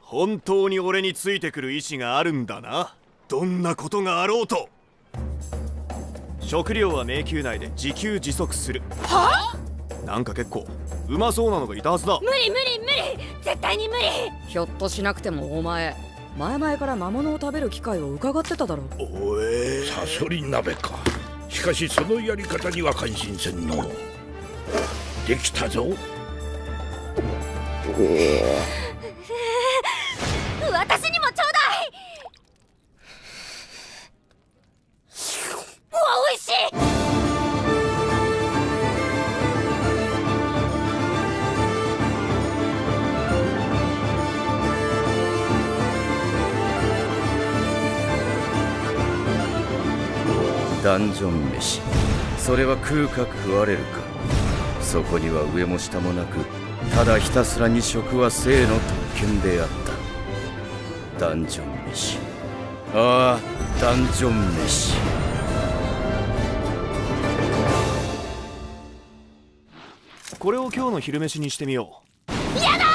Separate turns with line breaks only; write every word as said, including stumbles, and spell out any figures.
本当に俺についてくる意志があるんだな。どんなことがあろうと。食料は迷宮内で自給自足する。
は
あ？なんか結構うまそうなのがいたはずだ。
無理無理無理、絶対に無理。
ひょっとしなくてもお前前々から魔物を食べる機会を伺ってただろ。
おえ
サソリ鍋か。しかしそのやり方には感心せんの。できたぞ。
私にもちょうだい。うわ、おいしい。
ダンジョン飯、それは食うか食われるか。そこには上も下もなく、ただひたすらに食は生の特権であった。ダンジョン飯、ああダンジョン飯。
これを今日の昼飯にしてみよう。
やだ。